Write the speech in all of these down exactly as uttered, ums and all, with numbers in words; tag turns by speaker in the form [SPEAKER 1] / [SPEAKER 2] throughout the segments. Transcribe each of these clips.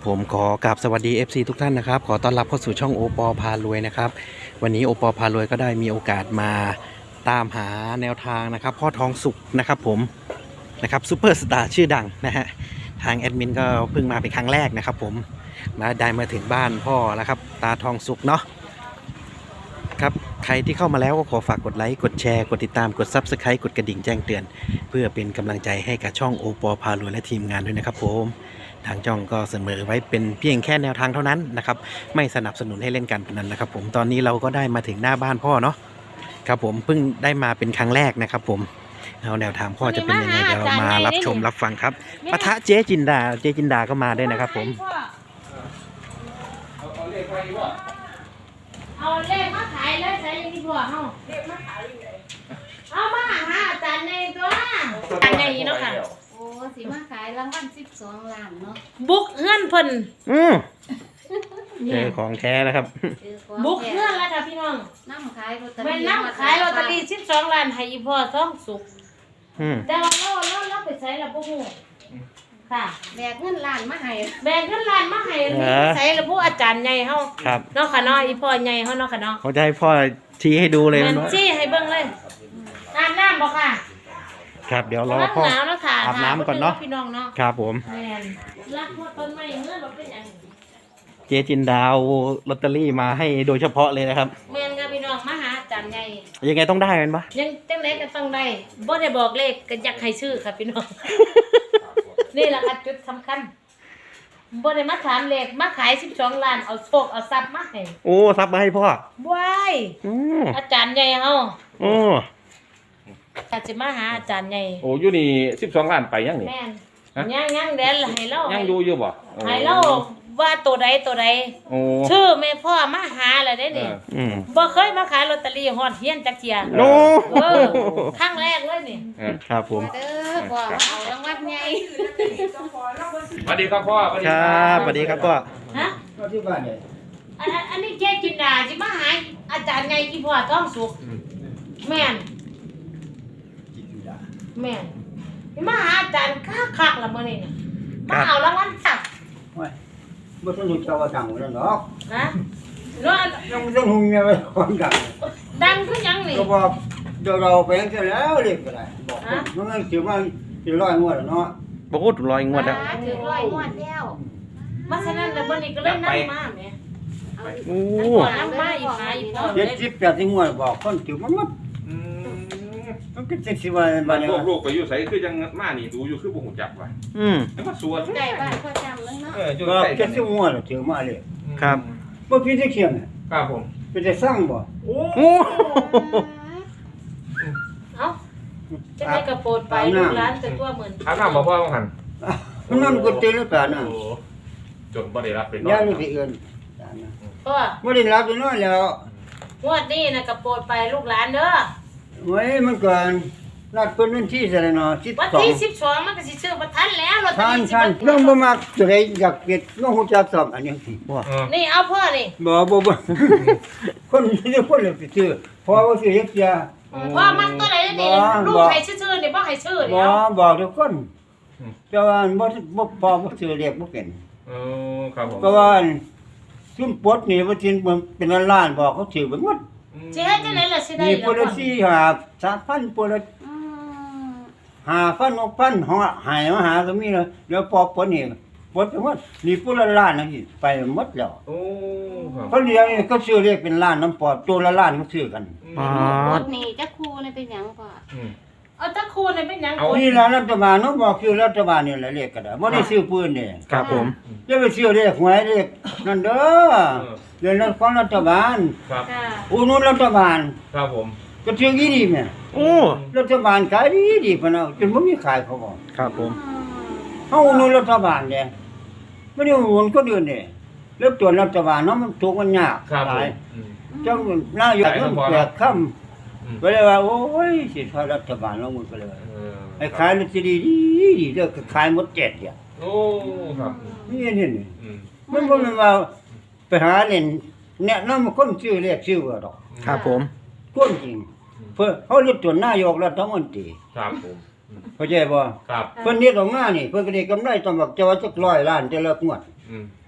[SPEAKER 1] ผมขอกราบสวัสดี เอฟ ซี ทุกท่านนะครับขอต้อนรับเข้าสู่ช่องโอปอพารวยนะครับวันนี้โอปอพารวยก็ได้มีโอกาสมาตามหาแนวทางนะครับพ่อทองสุกนะครับผมนะครับซูเปอร์สตาร์ชื่อดังนะฮะทางแอดมินก็เพิ่งมาเป็นครั้งแรกนะครับผมมาได้มาถึงบ้านพ่อแล้วครับตาทองสุกเนาะครับใครที่เข้ามาแล้วก็ขอฝากกดไลค์กดแชร์กดติดตามกด ซับสไครบ์ กดกระดิ่งแจ้งเตือนเพื่อเป็นกำลังใจให้กับช่องโอปอพารวยและทีมงานด้วยนะครับผมทางช่องก็เสนอไว้เป็นเพียงแค่แนวทางเท่านั้นนะครับไม่สนับสนุนให้เล่นการพนันนะครับผมตอนนี้เราก็ได้มาถึงหน้าบ้านพ่อเนาะครับผมเพิ่งได้มาเป็นครั้งแรกนะครับผมเอาแนวทางพ่อจะเป็นยังไงเดี๋ยวเรามารับชมรับฟังครับปะทะเจ๊จินดาเจ๊จินดาก็มาด้วยนะครับผม
[SPEAKER 2] เอาเลขมาดีกว่า
[SPEAKER 3] เอาเลขมาขายเลยใส่ยังที่พ่อเฮาเลขมาขายยังไงเอามาหาอาจารย์ในตัวอาจารย์ในเนาะค่ะ
[SPEAKER 4] โอ้สิมาขายรางวัลสิบสองล้านเนาะ
[SPEAKER 3] บุกเฮือนเพิ่น
[SPEAKER 1] อืมเจอของแท้แล้วครับ
[SPEAKER 3] บุกเฮือนแล้วค่ะพี่น้อง
[SPEAKER 4] น้ำขายลอตเตอรี่
[SPEAKER 3] เป็นน้ำขายลอตเตอรี่สิบสองล้านให้อีพ่อท้องสุก
[SPEAKER 1] อืม
[SPEAKER 3] แต่ว่าเราเราเราไปใช้แล้วบ่ฮู้ค่ะ
[SPEAKER 4] แบกเงินล้านมาให้
[SPEAKER 3] แบ่งเงินล้านมาให้ใช้แล้วผู้อาจารย์ใหญ่เฮา
[SPEAKER 1] ครับ
[SPEAKER 3] เนาะค่ะเนาะอีพ่อใหญ่เฮาเนาะค่ะเนาะ
[SPEAKER 1] เขาจะให้พ่อชี้ให้ดูเลย
[SPEAKER 3] แม่นชี้ให้เบิ่งเลยอาบน้ำบ่ค่ะ
[SPEAKER 1] ครับเดี๋ยวรอพ่ออาบน้ำก่อนเนาะ
[SPEAKER 3] พี่น้องเนาะ
[SPEAKER 1] ครับผม
[SPEAKER 3] แม่นรักพ่อต้นไม้เงินบ่เป็นหยัง
[SPEAKER 1] เจจินดาวลอตเตอรี่มาให้โดยเฉพาะเลยนะครับ
[SPEAKER 3] แม่นค่ะพี่น้องมาหาอาจารย์ใหญ่
[SPEAKER 1] ยังไงต้องได้แม่นปะ
[SPEAKER 3] ยังจังไดก็ต้องได้บ่ได้บอกเลขก็อยากให้ชื่อค่ะพี่น้อง นี่แหละค่ะจุดสำคัญบ่ได้มาถามเลขมาขายสิบสองล้านเอาโชคเอาทรัพย์มาให้
[SPEAKER 1] โอ้ทรัพย์มาให้พ่อ
[SPEAKER 3] ว้ายอาจารย์ใหญ่เฮา
[SPEAKER 1] โอ้
[SPEAKER 3] อาจจะมาหาอาจารย์ใหญ่
[SPEAKER 2] โอ้อยู่นี่สิบสองล้านไปยังนี่
[SPEAKER 3] แม่นยังยังเดี๋ยวให้เรา
[SPEAKER 2] ยังอยู่อยู่บ่
[SPEAKER 3] ให้เราว่าตัวใดตัวใด
[SPEAKER 2] โอ้
[SPEAKER 3] ชื่อแม่พ่อมาหาแล้วได้นี่บ่เคยมาขายลอตเตอรี่ฮอดเฮียนจักเที่ย
[SPEAKER 1] โอ้
[SPEAKER 3] เออครั้งแรกเลยนี่
[SPEAKER 1] ครับผม
[SPEAKER 4] เด้อพ่อเอารางวัลใหญ่
[SPEAKER 2] สวัสดีครับพ่อสวัสดี
[SPEAKER 1] ครับสวัสดีครับพ่อ
[SPEAKER 3] ฮะ
[SPEAKER 2] ที่บ้านนี่
[SPEAKER 3] อันอันนี้เจ๊จินดาสิมาหาอาจารย์ใหญ่อีพ่อท้องสุกแม่นแม่มาหาอาจารย์คักๆละมื้อนี้น่ะมาเอารางวัลจับ
[SPEAKER 5] โอ้ยบ่ต้องรู้จักว่าดังแล้วเนาะ
[SPEAKER 3] ฮะเนาะ
[SPEAKER 5] ยังบ่ต้องฮู้แม่ว่าคนดัง
[SPEAKER 3] ดังคือหยังนี่
[SPEAKER 5] ก็บอกเดี๋ยวเราไปจังซี่แล้วเรียกก็ได้บอกมันสิว่าสิร้อยงวดแล้วเนาะ
[SPEAKER 1] บ่ฮู้ถึงร้อยงวดแล้ว
[SPEAKER 4] ถึงร้อยงวดแล้ว
[SPEAKER 3] มาฉะนั้นแล้วมื้อนี้ก็เลยนำมาแม่
[SPEAKER 1] โอ้
[SPEAKER 3] นำมาอีกหาอีกพ่อ
[SPEAKER 5] เจ็ดสิบแปดงวดบอกคนถือมันหมด
[SPEAKER 2] อืม
[SPEAKER 5] มันก็จังสิว่า
[SPEAKER 2] บ้านลูกๆไปอยู่ไสคือจังมานี่ดูอยู่คือบ่ฮู้จักว่า
[SPEAKER 1] อืม
[SPEAKER 2] แล้วก็สวน
[SPEAKER 4] ใกล้บ้านพ่อจำแล้วเนาะ
[SPEAKER 2] เอออยู่
[SPEAKER 5] ก็
[SPEAKER 2] ใกล้
[SPEAKER 5] เจ็ดสิบงวดแล้วถือมาเลย
[SPEAKER 1] ครับ
[SPEAKER 5] บ่ผิดจักเที่ยง
[SPEAKER 2] ครับผม
[SPEAKER 5] เป็นจะสร้างบ่
[SPEAKER 2] โอ้
[SPEAKER 3] เอ้าจะได้กระโปดไปลูกหลานแต่ตัวเหมือน
[SPEAKER 2] ถามน้ำบ่พ่อว่าหั่น
[SPEAKER 5] มันนั่นก็ตื่นแล้วปานน่ะ
[SPEAKER 2] โอ้จนบ่ได้รับเป็นนอน
[SPEAKER 5] ย่านี่สิเอิ้น
[SPEAKER 3] พ่อ
[SPEAKER 5] บ่ได้รับเป็นนอนแล้ว
[SPEAKER 3] งวดนี้น่ะกระโปดไปลูกหลานเด้อ
[SPEAKER 5] โอ้ยมันก่อนนัดเพิ่นวันที่เท่าไหร่เนาะสิบสอง
[SPEAKER 3] วันที่สิบสองมันก็สิซื้อบ่ทันแล้วลอตเตอรี่สิ
[SPEAKER 5] บ่น้องบ่มักตัวใดอยากเก็บน้องฮู้จักสอบอันนี้สิบ่
[SPEAKER 3] นี่เอาพ่อนี่
[SPEAKER 5] บ่บ่บ่คนนี่คนเลยซื้อพอบ่ซื้อเฮ็ดเสีย
[SPEAKER 3] พ่อมักตัวไหนนี่ลูกให้ชื่อๆนี่บ่ให้ชื่อนี่
[SPEAKER 5] บ่บอกทุกคนแต่ว่าบ่บ่พอบ่ซื้อเรียกบ่เป็น
[SPEAKER 2] เออครับผม
[SPEAKER 5] เพราะว่าซุ่มปลดนี่ว่าสิเป็นล้านบอกเขาถือไปหมด
[SPEAKER 3] สิเฮ็ดจังได๋ล่ะสิได้
[SPEAKER 5] นี่พุ่นละสี่ ห้า สามพันพุ่นละห้าพัน หกพันเฮาให้มาหาก็มีแล้วเดี๋ยวพอปลดนี่ปลดไปหมดนี่พุ่นละล้านนั่นสิไปหมดแล้ว
[SPEAKER 2] โอ้ครับ
[SPEAKER 5] เขาเรียกนี่ก็ซื้อเรียกเป็นล้านน้ำปอดตัวละล้านก็ซื้อกัน
[SPEAKER 1] อ๋อ
[SPEAKER 4] รถนี่จักครูนี่เป็นหยังพ่อ
[SPEAKER 2] อืม
[SPEAKER 3] เอาตะคูนี่เป็นหยัง
[SPEAKER 5] เอานี่ล่ะรัฐบาลเนาะบอกคือรัฐบาลนี่แหละเรียกก็ได้บ่ได้ซื้อปืนนี่
[SPEAKER 1] ครับผม
[SPEAKER 5] อย่าไปซื้อเรียกหวยเรียกนั่นเด้อเรื่องนั้นของรัฐบาล
[SPEAKER 2] ครับ
[SPEAKER 5] อุดหนุนรัฐบาล
[SPEAKER 2] ครับผม
[SPEAKER 5] ก็ถืออีดีแม่
[SPEAKER 1] โอ้
[SPEAKER 5] รัฐบาลขายดีดีพุ่นน่ะจนบ่มีขายเขาบ่
[SPEAKER 1] ครับผม
[SPEAKER 5] เฮาอุดหนุนรัฐบาลแหละบ่ได้อุดหนุนคนอื่นนี่แล้วตัวรัฐบาลเนาะมันถูกมันยากหลายจังนายกมันแปดคำก็เลยว่าโอ้ยสิทอรัฐบาลเราหมดไปเลยไอ้ขายลอตเตอรี่ดีดีเด้อก็ขายหมดเจ็ดอย่าง
[SPEAKER 2] โอ้ครับ
[SPEAKER 5] นี่นี่นี่มันบ่แม่นว่าไปหาเล่นแนะนำคนชื่อเรียกชื่อว่าดอก
[SPEAKER 1] ครับผม
[SPEAKER 5] คนจริงเพิ่นเฮาเรียกตัวนายกรัฐมนตรี
[SPEAKER 2] ครับผม
[SPEAKER 5] เข้าใจบ่
[SPEAKER 2] ครับ
[SPEAKER 5] เพิ่นเฮ็ดออกมานี่เพิ่นก็ได้กำไรต้องบอกจะว่าจักร้อยล้านแต่ละงวด
[SPEAKER 2] อืม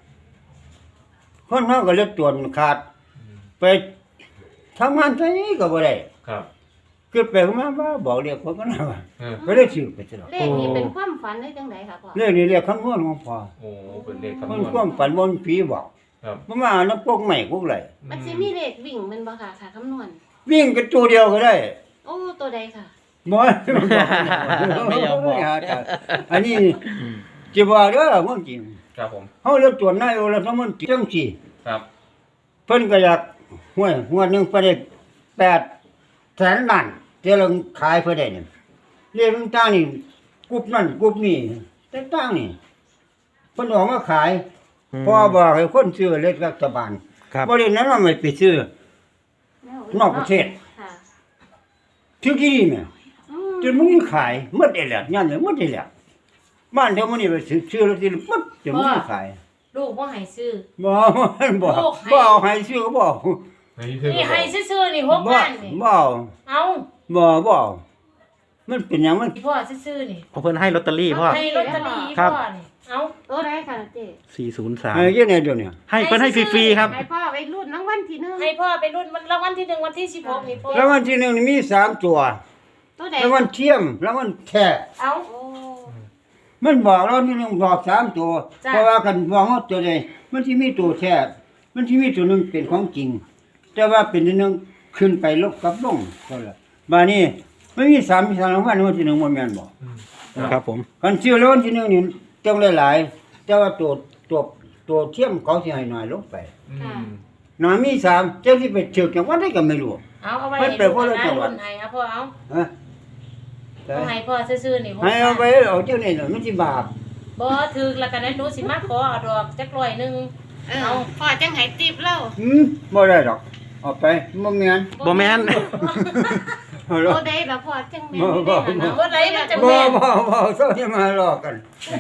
[SPEAKER 5] คนเฮาก็เลือดตัวขาดไปทำงานไสก็บ่ได้
[SPEAKER 2] ครับ
[SPEAKER 5] คือไปมาว่าบอกเรียกคนก็น่าว่า
[SPEAKER 2] เออ
[SPEAKER 5] ก็ได้ชื่อไปตลอด
[SPEAKER 4] เลขนี้เป็นความฝันได้จังไดค่ะพ่อ
[SPEAKER 5] เรื่องนี้เรียกคำนวณของพ่อ
[SPEAKER 2] โอ้เป็นเลขคำน
[SPEAKER 5] มั
[SPEAKER 2] วน ณ
[SPEAKER 5] ความฝันบ่มีผีบอก
[SPEAKER 2] ครับ
[SPEAKER 5] บ่มาน้ำพวกใหม่พวกไหล
[SPEAKER 4] มันสิมีเลขวิ่งแมันบ่ค่ะค่ะคำนวณ
[SPEAKER 5] วิ่งกันตัวเดียวก็ได้
[SPEAKER 4] โอ้ตัวใดค่ะ
[SPEAKER 5] บ่
[SPEAKER 1] ไม่ยอมบอก
[SPEAKER 5] อันนี้จะบอกเด้อมันจริง
[SPEAKER 2] ครับผม
[SPEAKER 5] เฮาเลือกตัวนายรัฐมนตรีจังซี่
[SPEAKER 2] ครับ
[SPEAKER 5] เพิ่นก็อยากห้วยงวดหนึงไปได้แปดแสนล้านเดี๋ยวเราขายเพิ่นได้นี่เรียกต่างๆนี่กรุ๊ปนั่นกรุ๊ปนี้ต่างๆนี่เพิ่นออกมาขายพอบอกให้คนซื้อเลขรัฐบาล
[SPEAKER 1] ครับ
[SPEAKER 5] บ่ได้นั้นว่าไม่ไปซื้อ นอกประเทศ
[SPEAKER 4] ค่ะ
[SPEAKER 5] ถึงที่นี่แม่
[SPEAKER 4] อืม
[SPEAKER 5] จนมึงขายหมดได้แล้วยันเลยหมดได้แล้วบ้านเท่ามื้อนี้ไปซื้อซื้อแล้วสิหมดจนมึงขาย
[SPEAKER 3] ลูกบ่ให้ซื้อ
[SPEAKER 5] บ่มันบ่
[SPEAKER 3] ลูกให้
[SPEAKER 5] บ่เอาให้ซื้อก็บ่
[SPEAKER 2] นี่คือ
[SPEAKER 3] นี่ให้ซื่อๆนี่หก
[SPEAKER 5] บ่
[SPEAKER 3] ล้านนี่
[SPEAKER 5] บ่เอา
[SPEAKER 3] เอา
[SPEAKER 5] บ่บ่เอามันเป็นหยังมัน
[SPEAKER 3] พ่อซื่อๆนี่
[SPEAKER 1] เพราะเพิ่นให้ลอตเตอรี่พ่อ
[SPEAKER 3] ให้ลอตเตอรี่
[SPEAKER 1] ครับ
[SPEAKER 3] พ่อนี่เอา
[SPEAKER 4] ตัวใดค่ะเจ๊
[SPEAKER 1] สี่ศูนย์สาม
[SPEAKER 5] ให้ยังไงเดี๋ยวนี้
[SPEAKER 1] ให้เพิ่นให้ฟรีๆครับ
[SPEAKER 4] ให้พ่อไปรุ่นรางวัลที่หนึ่ง
[SPEAKER 3] ให้พ่อไปรุ่นวันรางวัลที่หนึ่งวันที่สิบหกนี่พ่อ
[SPEAKER 5] รางวัลที่หนึ่งนี่มีสามตัว
[SPEAKER 4] ตัวใด
[SPEAKER 5] รางวัลเทียมรางวัลแท้
[SPEAKER 3] เอา
[SPEAKER 4] โอ้
[SPEAKER 5] มันบอกเราที่หนึงบอกสามตัว
[SPEAKER 3] จ้ะ
[SPEAKER 5] เพราะว่ากันบอกว่าตัวใดมันสิมีตัวแท้มันสิมีตัวหนึงเป็นของจริง แต่ว่าเป็นตัวหนึงขึ้นไปลบกับลงเท่านั้นบาดนี้มันมีสามมีสามรางวัลรางวัลที่หนึ่งบ่แม่นบ่
[SPEAKER 1] ครับผม
[SPEAKER 5] คันซื้อรางวัลที่หนึ่งนี่ต้องหลายๆแต่ว่าตัวตัวตัวเทียมเขาสิให้น้อยลงไป
[SPEAKER 2] อืม
[SPEAKER 5] น้อยมีสามเจ้าสิไปเชื่อจังหวัดใดก็ไม่รู้
[SPEAKER 3] เอาเอาไว้
[SPEAKER 5] มัน
[SPEAKER 3] ให้
[SPEAKER 5] เป็น
[SPEAKER 3] ลูก
[SPEAKER 5] คนละ
[SPEAKER 3] นะ
[SPEAKER 5] จังหวัด
[SPEAKER 3] รุ่นให้เอาพ่อเอา
[SPEAKER 5] ฮะ
[SPEAKER 3] เอาให้พ่อซื่อๆนี่หก
[SPEAKER 5] ให้เอาไป
[SPEAKER 3] ล้าน
[SPEAKER 5] เอาเจ้านี่น่ะมันสิบาป
[SPEAKER 3] บ่ถึกแล้วกันนั้นหนูสิมาขอเอาดอกจักร้อยหนึง
[SPEAKER 4] เออพ่อจังให้ติปเรา
[SPEAKER 5] หืมบ่ได้ดอกเอาไปบ่แม่น
[SPEAKER 1] บ่แม่น
[SPEAKER 5] เอาล่ะ
[SPEAKER 4] ตัวใดล่ะพ่อจังแม่น
[SPEAKER 5] บ่
[SPEAKER 4] อยู่
[SPEAKER 5] บ่
[SPEAKER 4] ได้ล่ะ
[SPEAKER 3] บ่ไหนมันจะ
[SPEAKER 5] บ่
[SPEAKER 3] แม่น
[SPEAKER 5] บ่บ่เซาที่มาหลอกกัน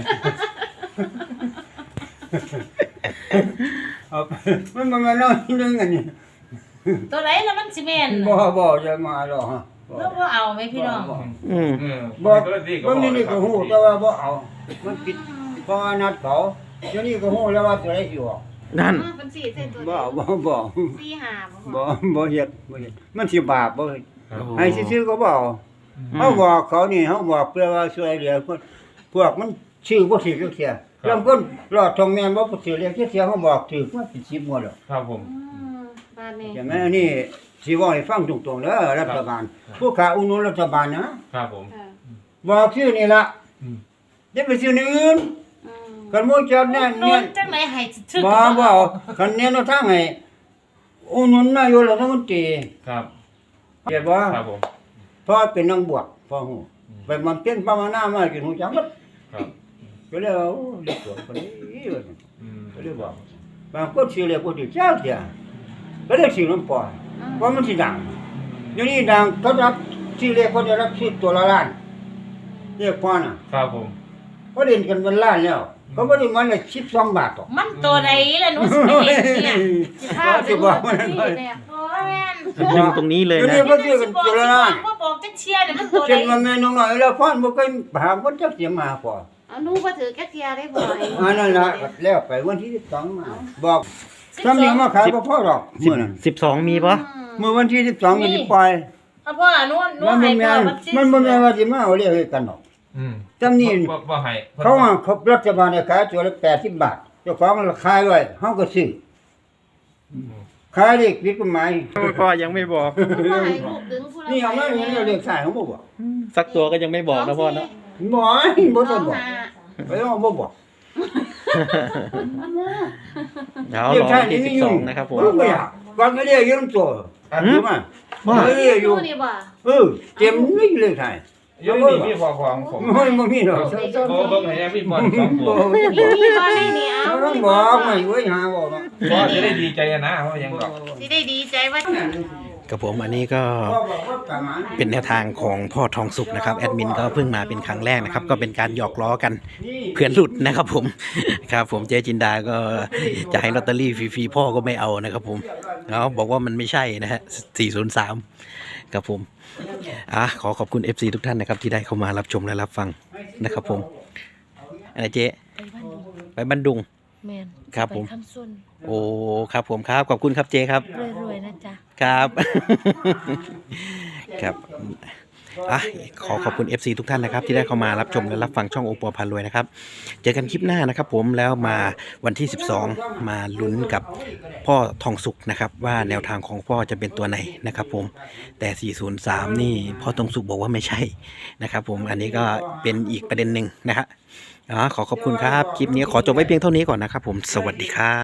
[SPEAKER 5] เอาไปมันบ่แม่นน้อยนึงอันนี้
[SPEAKER 3] ตัวไหนแล้วมันสิแม่น
[SPEAKER 5] บ่บ่อย่ามาหรอกฮะบ่
[SPEAKER 3] แล้วบ่เอาไหมพี่น้อง
[SPEAKER 5] บ่
[SPEAKER 1] อืม
[SPEAKER 2] เออ
[SPEAKER 5] บ่
[SPEAKER 2] ก็ดีก็
[SPEAKER 5] บ่
[SPEAKER 2] บ
[SPEAKER 5] นี่
[SPEAKER 2] อก
[SPEAKER 5] นี่
[SPEAKER 2] ค
[SPEAKER 5] ก็
[SPEAKER 2] รับ
[SPEAKER 5] ฮู้แต่ว่าบ่เอา มันผิดเพราะว่านัดเขาเดี๋ยวนี้ก็ฮู้แล้วว่าตัวใดสิออก
[SPEAKER 1] นั่น
[SPEAKER 4] อืมเป็นสี่เส้นตัว
[SPEAKER 5] บ่
[SPEAKER 4] เดียว
[SPEAKER 5] บ่บ่
[SPEAKER 4] สี่ห้าบ่พ่อ
[SPEAKER 5] บ่บ่เฮ็ดบ่เฮ็ดมันสิบาปบ่เฮ็ด
[SPEAKER 2] ครับ
[SPEAKER 5] ให้ซื่อๆก็บ่เอาเฮาบอกเขานี่เฮาบอกเพื่อว่าช่วยเหลือพวกพวกมันชื่อบ่ถูกจักเที่ยลางคนรอดทองแม่นบ่ถูกเรียกเที่ยเฮาบอกถูกมาเป็นสิบงวดแล้ว
[SPEAKER 2] ครับผม
[SPEAKER 4] อืมบ้านนี้
[SPEAKER 5] ใช่ไหมอันนี้สิเว้าให้ฟังตรงๆเด้อรัฐบาลผู้ขาอุดหนุนรัฐบาลนะครับ
[SPEAKER 2] ผม
[SPEAKER 4] ค่ะ
[SPEAKER 5] บอกชื่อนี่ล่ะ
[SPEAKER 2] อืม
[SPEAKER 5] อย่าไปชื่ออื่น
[SPEAKER 4] อืม
[SPEAKER 5] กันหมู่จัดแน่
[SPEAKER 3] โด
[SPEAKER 5] เนี่ย
[SPEAKER 3] นจังไหนให้ถึก
[SPEAKER 5] บ่บ่เอาคันแนวทางให้อุดหนุนนายกรัฐมนตรี
[SPEAKER 2] ครับ
[SPEAKER 5] เห็นบ่
[SPEAKER 2] ครับผม
[SPEAKER 5] เพราะเป็นนักบวชพ่อฮู้ไปมันเป็นภาวนามาจนฮู้จักหมด
[SPEAKER 2] ครับ
[SPEAKER 5] ก็เลยว่าโอ้เรียกตัวคนนี้ว่าซั่น
[SPEAKER 2] อืม
[SPEAKER 5] ก็เลยบอกบางคนสิเรียกบ่ถูกจักเที่ยก็เลยสิน้ำปล่อยเพราะมันสิดังเดี๋ยวนี้ดังเขารับสิเรียกเขาจะรับสิตัวละล้านเรียกพ่อน่ะ
[SPEAKER 2] ครับผม
[SPEAKER 5] เขาเล่นกันเป็นล้านแล้วเขาบ่ได้มันละสิบสองบาทหรอก
[SPEAKER 3] มันตัวใดล่ะหนูสิไปเห็นเนี่ย
[SPEAKER 4] สิพา
[SPEAKER 5] สิบอกมัน
[SPEAKER 4] ที่เนี่ย
[SPEAKER 3] โอ้ยแม่น
[SPEAKER 1] ยิงตรงนี้เลย
[SPEAKER 5] เดี๋ยว
[SPEAKER 1] นะ
[SPEAKER 5] นี้เขาซื้อกันตัวละล้าน
[SPEAKER 3] บ่บอกจักเชียร์เนี่ยมันตัวใด
[SPEAKER 5] เช่นว่าแม่น้องน้อยแล้วพ่อบ่เคยหาคนจักเสียมาพอ
[SPEAKER 4] เอาหนูบ่ถือแค่เทียได้บ่ให้
[SPEAKER 5] อันนั้นล่ะแล้วไปวันที่สิบสองมาบอกทำนี่มาขายบ่พอหรอกมื้อนั้น
[SPEAKER 1] สิบสองมีปะ
[SPEAKER 5] เมื่อวันที่สิบสองก็สิปล่อย
[SPEAKER 3] เอาพ่อหนูหนู
[SPEAKER 5] มัน
[SPEAKER 3] ให้
[SPEAKER 5] บ่แม่
[SPEAKER 3] พ่อน มันสิ
[SPEAKER 5] มันบ่แม่นว่าสิมาเอาเรียกให้กันหรอก
[SPEAKER 2] อืม
[SPEAKER 5] จำนี่
[SPEAKER 2] บ่บ่ให้
[SPEAKER 5] เขาว่าเขารัฐบาลเนี่ยขายตัวละแปดสิบบาทเจ้าของขายไว้เฮาก็ซื้อขายเลขผิดกฎหมาย
[SPEAKER 1] พ่อยังไม่บอก
[SPEAKER 4] บ่ให้ลูกดึงผู้ละ
[SPEAKER 5] นี่เอามาเห็นเลขขายเขาบ่บอก
[SPEAKER 1] สักตัวก็ยังไม่บอกนะพ่อเนาะ
[SPEAKER 5] บ่ให้บ่
[SPEAKER 4] ส
[SPEAKER 5] ต้
[SPEAKER 4] อ
[SPEAKER 5] อง
[SPEAKER 4] ง
[SPEAKER 5] บอก
[SPEAKER 4] ห้า
[SPEAKER 5] ไปเอาบ่บอก
[SPEAKER 1] เดี๋ยวรอวันที่สิบสองนะครับผม
[SPEAKER 5] บ่อยากก่อนก็เรียกยืมตัวถูกมั้ย
[SPEAKER 1] ว่า
[SPEAKER 5] เรียกอยู่
[SPEAKER 4] นี่บ่
[SPEAKER 5] เออเต็มนี่เลยขาย
[SPEAKER 2] อยังนี่มีพอของผม
[SPEAKER 5] ไม่บ่มีดอก
[SPEAKER 2] โบเบิ่งให้แน่มีบอลสองตัว
[SPEAKER 4] มีมีบ่ได้นี่เอา
[SPEAKER 5] มันบอกไม่ไว้หาบอก
[SPEAKER 2] บอลจะได้ดีใจนะเพราะยังดอก
[SPEAKER 4] สิได้ดีใจว่า
[SPEAKER 1] กับผมอันนี้ก็
[SPEAKER 5] บอกว่าประมาณ
[SPEAKER 1] เป็นแนวทางของพ่อทองสุกนะครับแอดมินก็เพิ่งมาเป็นครั้งแรกนะครับ ก็เป็นการหยอกล้อกันเพื่อนหลุดนะครับผม ครับผมเจ๊จินดาก็จะให้ลอตเตอรี่ฟรีๆพ่อก็ไม่เอานะครับผมเขาบอกว่ามันไม่ใช่นะฮะสี่ศูนย์สามครับผมอ่ะขอขอบคุณ เอฟ ซี ทุกท่านนะครับที่ได้เข้ามารับชมและรับฟังนะครับผมอะไรเจ๊ไปบันดุง
[SPEAKER 3] แม่น
[SPEAKER 1] ครับผม
[SPEAKER 3] ไปคำส้น
[SPEAKER 1] โอ้ครับผมครับขอบคุณครับเจครับ
[SPEAKER 3] รวยๆนะจ๊ะ
[SPEAKER 1] ครับ ครับอ่ะขอขอบคุณ เอฟ ซี ทุกท่านนะครับที่ได้เข้ามารับชมและรับฟังช่องโอปอพารวยนะครับเจอกันคลิปหน้านะครับผมแล้วมาวันที่สิบสองมาลุ้นกับพ่อทองสุกนะครับว่าแนวทางของพ่อจะเป็นตัวไหนนะครับผมแต่สี่ศูนย์สามนี่พ่อทองสุกบอกว่าไม่ใช่นะครับผมอันนี้ก็เป็นอีกประเด็นหนึ่งนะฮะอ๋อขอขอบคุณครับคลิปนี้ขอจบไว้เพียงเท่านี้ก่อนนะครับผมสวัสดีครับ